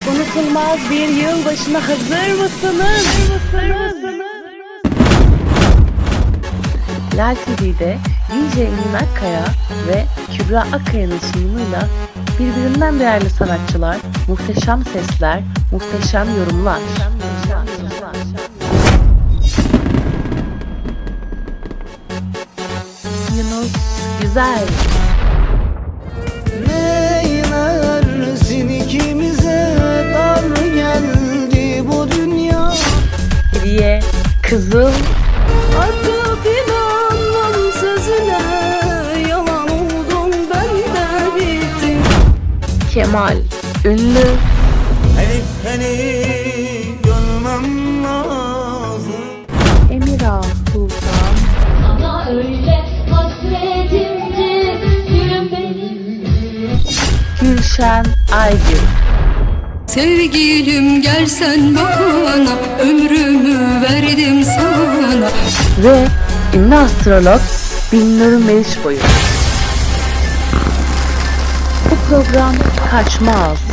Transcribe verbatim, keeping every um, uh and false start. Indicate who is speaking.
Speaker 1: Unutulmaz bir yılbaşına hazır mısınız? Hazır mısınız? Lal T V'de D J Emin Akkaya ve Kübra Akkaya'nın sunumuyla birbirinden değerli sanatçılar, muhteşem sesler, muhteşem yorumlar. Yunus Güzel.
Speaker 2: Neylersin ikimize dar geldi bu dünya.
Speaker 1: Hediye Kızıl.
Speaker 3: Artık inanmam sözüne, yalan oldum ben de bittim.
Speaker 1: Kemal Ünlü.
Speaker 2: Elif seni görmem lazım.
Speaker 1: Emira Sultan.
Speaker 4: Sana öyle hasretimdi gülüm benim.
Speaker 1: Gülşen Aygül.
Speaker 3: Sevgilim gelsen bana, ömrümü verdim sana.
Speaker 1: Ve ünlü astrolog Binnur Meriçboyu. Bu program kaçmaz.